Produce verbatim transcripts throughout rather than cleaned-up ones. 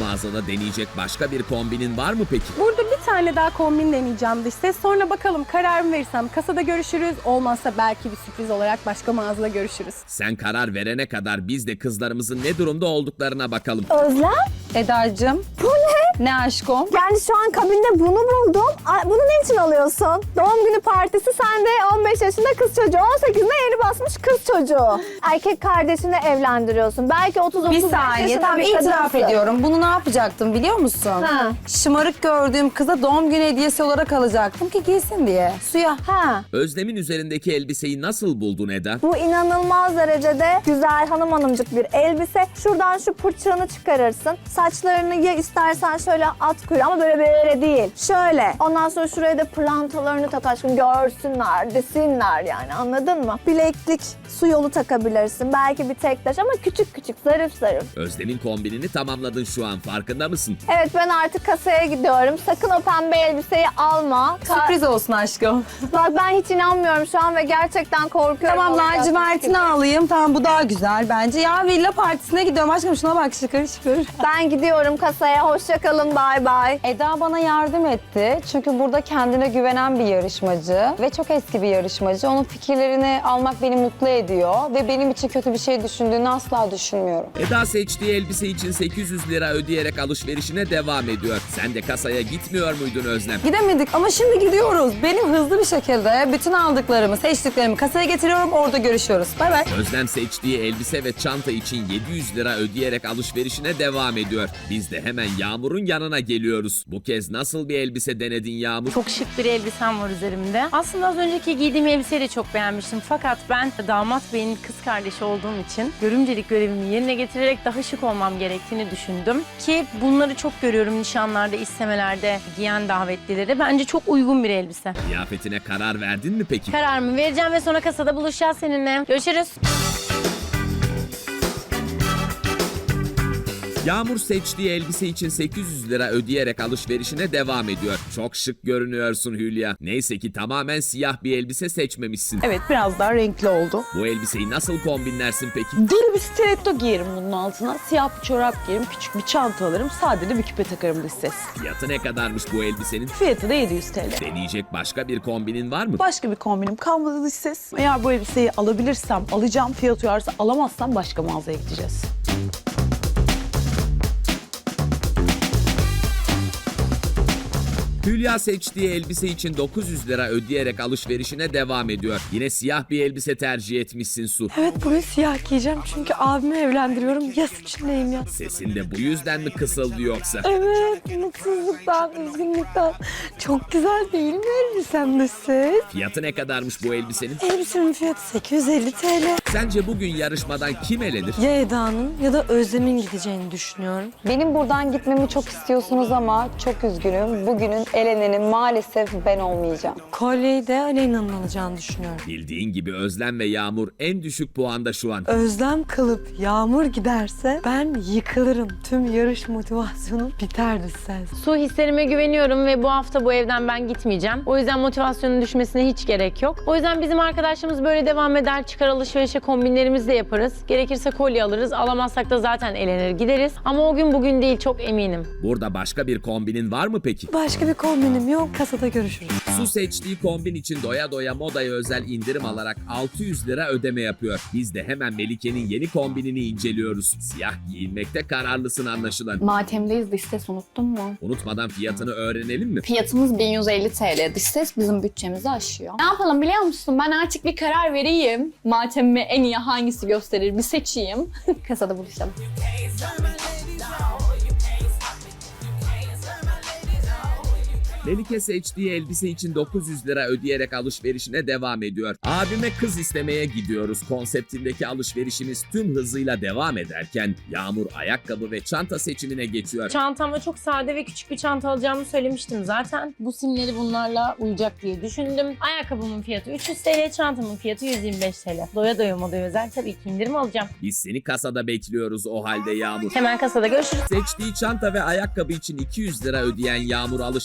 mağazada deneyecek başka bir kombinin var mı peki? Burada bir tane daha kombin deneyeceğim dış ses. Sonra bakalım kararımı verirsem kasada görüşürüz. Olmazsa belki bir sürpriz olarak başka mağazada görüşürüz. Sen karar verene kadar biz de kızlarımızın ne durumda olduklarına bakalım. Özlem? Eda'cığım. Bu ne? Ne aşkım? Yani şu an kabinde bunu buldum. Ay, bunu ne için alıyorsun? Doğum günü partisi, sen de on beş yaşında kız çocuğu, on sekizinde yeni basmış kız çocuğu. Erkek kardeşini evlendiriyorsun. Belki otuz otuz Bir beş saniye, yaşında tamam bir itiraf kadınsın. ediyorum. Bunu ne yapacaktım biliyor musun? Ha. Şımarık gördüğüm kıza doğum günü hediyesi olarak alacaktım ki giysin diye. Suya. Ha. Özlem'in üzerindeki elbiseyi nasıl buldun Eda? Bu inanılmaz derecede güzel hanım hanımcık bir elbise. Şuradan şu pırçığını çıkarırsın. Saçlarını ya istersen şöyle at kuyruğu ama böyle böyle değil. Şöyle. Ondan sonra şuraya da pırlantalarını tak aşkım. Görsünler, desinler yani, anladın mı? Bileklik, su yolu takabilirsin. Belki bir tek taş ama küçük küçük, zarif zarif. Özlem'in kombinini tamamladın şu an, farkında mısın? Evet, ben artık kasaya gidiyorum. Sakın o pembe elbiseyi alma. Ka- Sürpriz olsun aşkım. Bak, ben hiç inanmıyorum şu an ve gerçekten korkuyorum. Tamam, olacak lacivertini gibi. alayım. Tamam, bu daha güzel bence. Ya villa partisine gidiyorum aşkım. Şuna bak, şıkır şıkır. Ben gidiyorum kasaya. Hoşça kalın, bay bay. Eda bana yardım etti. Çünkü burada kendine güvenen bir yarışmacı ve çok eski bir yarışmacı. Onun fikirlerini almak beni mutlu ediyor ve benim için kötü bir şey düşündüğünü asla düşünmüyorum. Eda seçtiği elbise için sekiz yüz lira ödeyerek alışverişine devam ediyor. Sen de kasaya gitmiyor muydun Özlem? Gidemedik ama şimdi gidiyoruz. Benim hızlı bir şekilde bütün aldıklarımı, seçtiklerimi kasaya getiriyorum. Orada görüşüyoruz. Bay bay. Özlem seçtiği elbise ve çanta için yedi yüz lira ödeyerek alışverişine devam ediyor. Biz de hemen Yağmur'un yanına geliyoruz. Bu kez nasıl bir elbise denedin Yağmur? Çok şık bir elbisem var üzerimde. Aslında az önceki giydiğim elbiseyi de çok beğenmiştim. Fakat ben damat beyin kız kardeşi olduğum için görümcelik görevimi yerine getirerek daha şık olmam gerektiğini düşündüm. Ki bunları çok görüyorum nişanlarda, istemelerde giyen davetlileri. Bence çok uygun bir elbise. Kıyafetine karar verdin mi peki? Kararımı vereceğim ve sonra kasada buluşacağız seninle. Görüşürüz. Yağmur seçtiği elbise için sekiz yüz lira ödeyerek alışverişine devam ediyor. Çok şık görünüyorsun Hülya. Neyse ki tamamen siyah bir elbise seçmemişsin. Evet, biraz daha renkli oldu. Bu elbiseyi nasıl kombinlersin peki? Deli bir stiletto giyerim bunun altına. Siyah bir çorap giyerim, küçük bir çanta alırım. Sade de bir küpe takarım dış ses. Fiyatı ne kadarmış bu elbisenin? Fiyatı da yedi yüz T L. Deneyecek başka bir kombinin var mı? Başka bir kombinim kalmadı dış ses. Eğer bu elbiseyi alabilirsem alacağım, fiyat uyarsa, alamazsam başka mağazaya gideceğiz. Hülya seçtiği elbise için dokuz yüz lira ödeyerek alışverişine devam ediyor. Yine siyah bir elbise tercih etmişsin Su. Evet, bugün siyah giyeceğim çünkü abimi evlendiriyorum. Yas içindeyim ya. Sesin de bu yüzden mi kısıldı yoksa? Evet, mutsuzluktan, üzgünlükten. Çok güzel değil mi elbisem de ses? Fiyatı ne kadarmış bu elbisenin? Elbisemin fiyatı sekiz yüz elli T L. Sence bugün yarışmadan kim elenir? Ya Eda'nın ya da Özlem'in gideceğini düşünüyorum. Benim buradan gitmemi çok istiyorsunuz ama çok üzgünüm. Bugünün elenenin maalesef ben olmayacağım. Kolyeyi de Aleyna'nın alacağını düşünüyorum. Bildiğin gibi Özlem ve Yağmur en düşük puanda şu an. Özlem kalıp Yağmur giderse ben yıkılırım. Tüm yarış motivasyonum biterdi ses. Su, hislerime güveniyorum ve bu hafta bu evden ben gitmeyeceğim. O yüzden motivasyonun düşmesine hiç gerek yok. O yüzden bizim arkadaşlarımız böyle devam eder. Çıkar alışverişe kombinlerimizi de yaparız. Gerekirse kolye alırız. Alamazsak da zaten elenir gideriz. Ama o gün bugün değil, çok eminim. Burada başka bir kombinin var mı peki? Başka bir kombinim yok. Kasada görüşürüz. Su seçtiği kombin için doya doya modaya özel indirim alarak altı yüz lira ödeme yapıyor. Biz de hemen Melike'nin yeni kombinini inceliyoruz. Siyah giyinmekte kararlısın anlaşılan. Matem'deyiz, dış ses unuttun mu? Unutmadan fiyatını öğrenelim mi? Fiyatımız bin yüz elli T L. Dış ses bizim bütçemizi aşıyor. Ne yapalım biliyor musun? Ben artık bir karar vereyim. Matem'ime en iyi hangisi gösterir bir seçeyim. Kasada buluşalım. Melike seçtiği elbise için dokuz yüz lira ödeyerek alışverişine devam ediyor. Abime kız istemeye gidiyoruz konseptindeki alışverişimiz tüm hızıyla devam ederken Yağmur ayakkabı ve çanta seçimine geçiyor. Çantamda çok sade ve küçük bir çanta alacağımı söylemiştim zaten. Bu simleri bunlarla uyacak diye düşündüm. Ayakkabımın fiyatı üç yüz T L, çantamın fiyatı yüz yirmi beş T L. Doya doya modaya özel tabii ki indirim alacağım. Biz seni kasada bekliyoruz o halde Yağmur. Hemen kasada görüşürüz. Seçtiği çanta ve ayakkabı için iki yüz lira ödeyen Yağmur alışverişine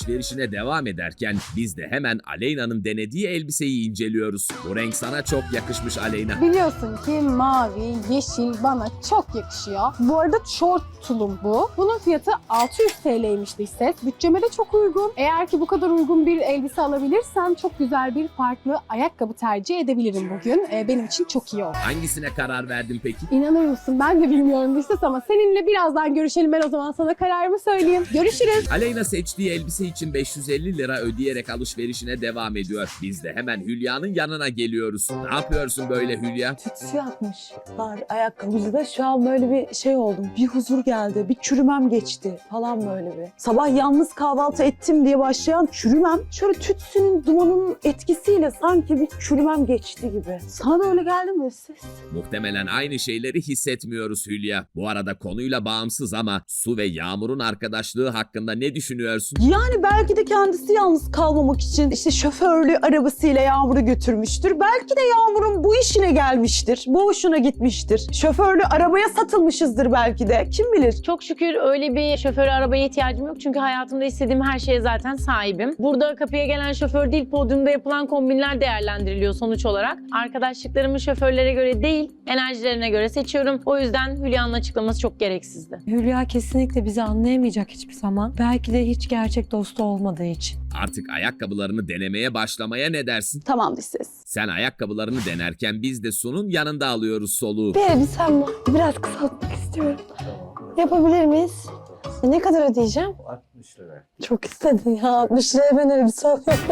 seçmeye devam ederken biz de hemen Aleyna'nın denediği elbiseyi inceliyoruz. Bu renk sana çok yakışmış Aleyna. Biliyorsun ki mavi, yeşil bana çok yakışıyor. Bu arada short tulum bu. Bunun fiyatı altı yüz T L'ymiş dış ses. Bütçeme de çok uygun. Eğer ki bu kadar uygun bir elbise alabilirsem çok güzel bir farklı ayakkabı tercih edebilirim bugün. Ee, benim için çok iyi oldu. Hangisine karar verdin peki? İnanır mısın? Ben de bilmiyorum dış ses ama seninle birazdan görüşelim. Ben o zaman sana kararımı söyleyeyim. Görüşürüz. Aleyna seçtiği elbise için beş yüz elli lira ödeyerek alışverişine devam ediyor. Biz de hemen Hülya'nın yanına geliyoruz. Ne yapıyorsun böyle Hülya? Tütsü yapmışlar ayakkabıcıda. Şu an böyle bir şey oldum. Bir huzur geldi. Bir çürümem geçti falan böyle bir. Sabah yalnız kahvaltı ettim diye başlayan çürümem. Şöyle tütsünün dumanının etkisiyle sanki bir çürümem geçti gibi. Sana da öyle geldi mi ses? Muhtemelen aynı şeyleri hissetmiyoruz Hülya. Bu arada konuyla bağımsız ama Su ve Yağmur'un arkadaşlığı hakkında ne düşünüyorsun? Yani belki de kendisi yalnız kalmamak için işte şoförlü arabasıyla Yağmur'u götürmüştür. Belki de Yağmur'un bu işine gelmiştir. Bu hoşuna gitmiştir. Şoförlü arabaya satılmışızdır belki de. Kim bilir? Çok şükür öyle bir şoföre arabaya ihtiyacım yok çünkü hayatımda istediğim her şeye zaten sahibim. Burada kapıya gelen şoför değil, podyumda yapılan kombinler değerlendiriliyor sonuç olarak. Arkadaşlıklarımı şoförlere göre değil, enerjilerine göre seçiyorum. O yüzden Hülya'nın açıklaması çok gereksizdi. Hülya kesinlikle bizi anlayamayacak hiçbir zaman. Belki de hiç gerçek dostu olmadığı için. Artık ayakkabılarını denemeye başlamaya ne dersin? Tamam dış ses. Sen ayakkabılarını denerken biz de Su'nun yanında alıyoruz soluğu. Bir elbisem var. Biraz kısaltmak istiyorum. Yapabilir miyiz? Ne kadar ödeyeceğim? altmış lira. Çok istedin ya. altmış liraya ben elbise alıyorum.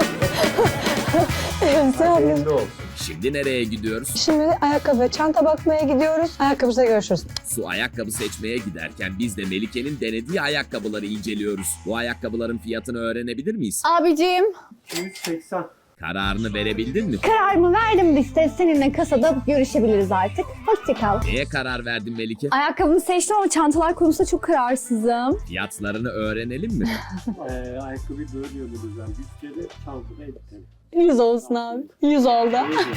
elbise alıyorum. Hayırlı olsun. Şimdi nereye gidiyoruz? Şimdi ayakkabı, çanta bakmaya gidiyoruz. Ayakkabıda görüşürüz. Su ayakkabı seçmeye giderken biz de Melike'nin denediği ayakkabıları inceliyoruz. Bu ayakkabıların fiyatını öğrenebilir miyiz? Abicim, iki yüz seksen. Kararını verebildin mi? kararımı verdim liste. Seninle kasada görüşebiliriz artık. Hoşça kal. Neye karar verdin Melike? Ayakkabımı seçtim ama çantalar konusunda çok kararsızım. Fiyatlarını öğrenelim mi? Ee, ayakkabıyı bölüyoruz yani. Bütçeli çantada elbise. yüz olsun abi. yüz oldu.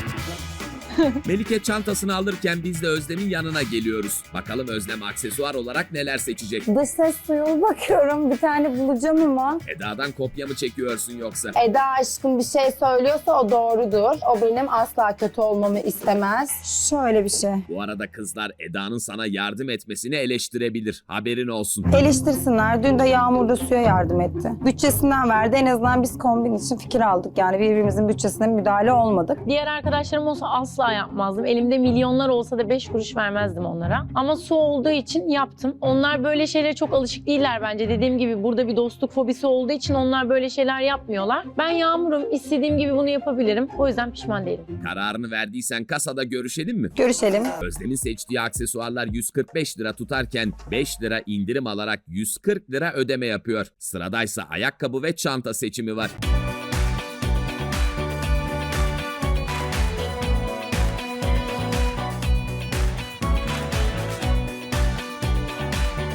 Melike çantasını alırken biz de Özlem'in yanına geliyoruz. Bakalım Özlem aksesuar olarak neler seçecek? Dış ses suyu bakıyorum. Bir tane bulacağım ama. Eda'dan kopya mı çekiyorsun yoksa? Eda aşkım bir şey söylüyorsa o doğrudur. O benim asla kötü olmamı istemez. Şöyle bir şey. Bu arada kızlar Eda'nın sana yardım etmesini eleştirebilir. Haberin olsun. Eleştirsinler. Dün de Yağmur da Su'ya yardım etti. Bütçesinden verdi. En azından biz kombin için fikir aldık. Yani birbirimizin bütçesine müdahale olmadık. Diğer arkadaşlarım olsa asla yapmazdım. Elimde milyonlar olsa da beş kuruş vermezdim onlara. Ama Su olduğu için yaptım. Onlar böyle şeylere çok alışık değiller bence. Dediğim gibi burada bir dostluk fobisi olduğu için onlar böyle şeyler yapmıyorlar. Ben Yağmur'um. İstediğim gibi bunu yapabilirim. O yüzden pişman değilim. Kararını verdiysen kasada görüşelim mi? Görüşelim. Özlem'in seçtiği aksesuarlar yüz kırk beş lira tutarken beş lira indirim alarak yüz kırk lira ödeme yapıyor. Sıradaysa ayakkabı ve çanta seçimi var.